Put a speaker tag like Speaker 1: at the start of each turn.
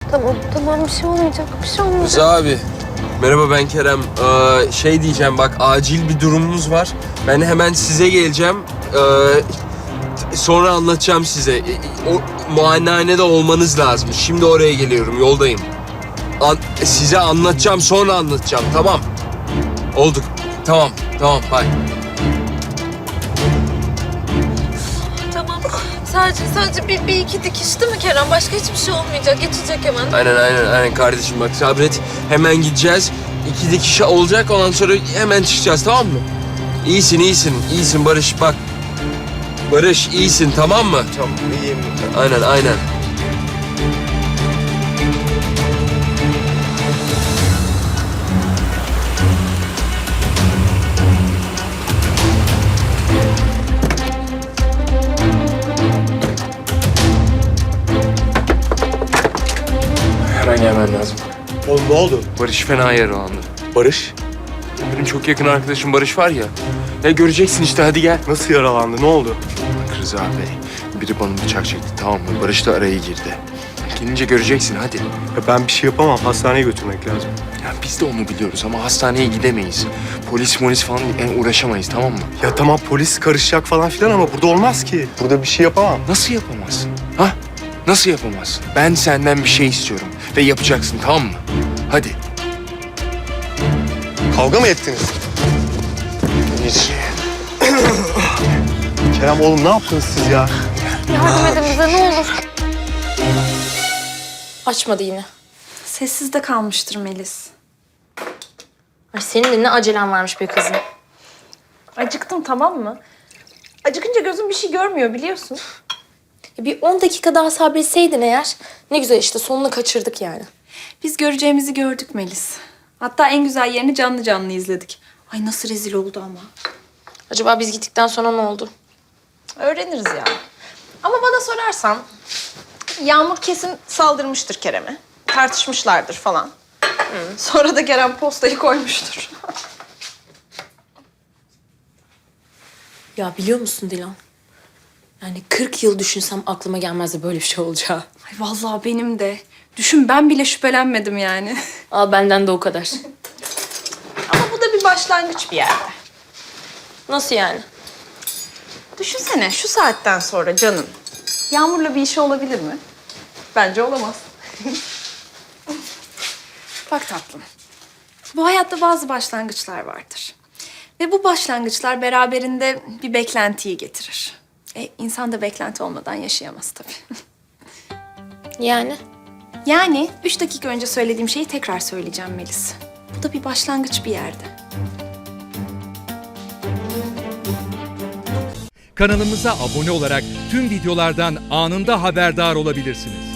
Speaker 1: Tamam bir şey olmayacak, bir şey olmayacak.
Speaker 2: Rıza abi. Merhaba, ben Kerem. Şey diyeceğim, bak acil bir durumumuz var. Ben hemen size geleceğim. Sonra anlatacağım size. O muayenehanede olmanız lazım. Şimdi oraya geliyorum, yoldayım. Size anlatacağım, sonra anlatacağım. Tamam. Olduk. Tamam, bye.
Speaker 1: Tamam. Sadece bir iki dikiş değil mi Kerem? Başka hiçbir şey olmayacak. Geçecek hemen.
Speaker 2: Aynen kardeşim, bak sabret. Hemen gideceğiz. 2 dikiş olacak, ondan sonra hemen çıkacağız, tamam mı? İyisin Barış, bak. Barış, iyisin, tamam mı?
Speaker 3: Tamam, iyiyim.
Speaker 2: Aynen. Hemen gelmen lazım.
Speaker 3: Oğlum ne oldu?
Speaker 2: Barış fena yaralandı.
Speaker 3: Barış
Speaker 2: Benim çok yakın arkadaşım Barış var ya. Ya göreceksin işte, hadi gel.
Speaker 3: nasıl yaralandı? Ne oldu?
Speaker 2: Bak Rıza Bey, biri bana bıçak çekti, tamam mı? Barış da araya girdi. Gelince göreceksin, hadi.
Speaker 3: Ya ben bir şey yapamam. Hastaneye götürmek lazım.
Speaker 2: Ya biz de onu biliyoruz ama hastaneye gidemeyiz. Polis falan yani uğraşamayız, tamam mı?
Speaker 3: Ya tamam, polis karışacak falan filan ama burada olmaz ki. Burada bir şey yapamam.
Speaker 2: Nasıl yapamazsın? Ha? Nasıl yapamazsın? Ben senden bir şey istiyorum ve yapacaksın, tamam mı? Hadi.
Speaker 3: Kavga mı ettiniz? Kerem oğlum, ne yaptınız siz ya?
Speaker 1: Yardım edin bize ne olur.
Speaker 4: Açmadı yine.
Speaker 5: Sessiz de kalmıştır Melis.
Speaker 4: Ay senin de ne acelen varmış be kızım.
Speaker 5: Acıktım, tamam mı? Acıkınca gözüm bir şey görmüyor biliyorsun.
Speaker 4: Bir 10 dakika daha sabretseydin eğer ne güzel işte sonunu kaçırdık yani.
Speaker 5: Biz göreceğimizi gördük Melis. Hatta en güzel yerini canlı canlı izledik. Ay nasıl rezil oldu ama.
Speaker 4: Acaba biz gittikten sonra ne oldu?
Speaker 5: Öğreniriz yani. Ama bana sorarsan Yağmur kesin saldırmıştır Kerem'e. Tartışmışlardır falan. Sonra da Kerem postayı koymuştur.
Speaker 4: Ya biliyor musun Dilan? Yani 40 yıl düşünsem aklıma gelmezdi böyle bir şey olacağı.
Speaker 5: Ay vallahi benim de. Düşün, ben bile şüphelenmedim yani.
Speaker 4: Al benden de o kadar.
Speaker 5: Ama bu da bir başlangıç bir yerde.
Speaker 4: Nasıl yani?
Speaker 5: Düşünsene şu saatten sonra canım. Yağmur'la bir işi olabilir mi? Bence olamaz. Bak tatlım. Bu hayatta bazı başlangıçlar vardır. Ve bu başlangıçlar beraberinde bir beklentiyi getirir. İnsan da beklenti olmadan yaşayamaz tabii.
Speaker 4: Yani?
Speaker 5: Yani 3 dakika önce söylediğim şeyi tekrar söyleyeceğim Melis. Bu da bir başlangıç bir yerde.
Speaker 6: Kanalımıza abone olarak tüm videolardan anında haberdar olabilirsiniz.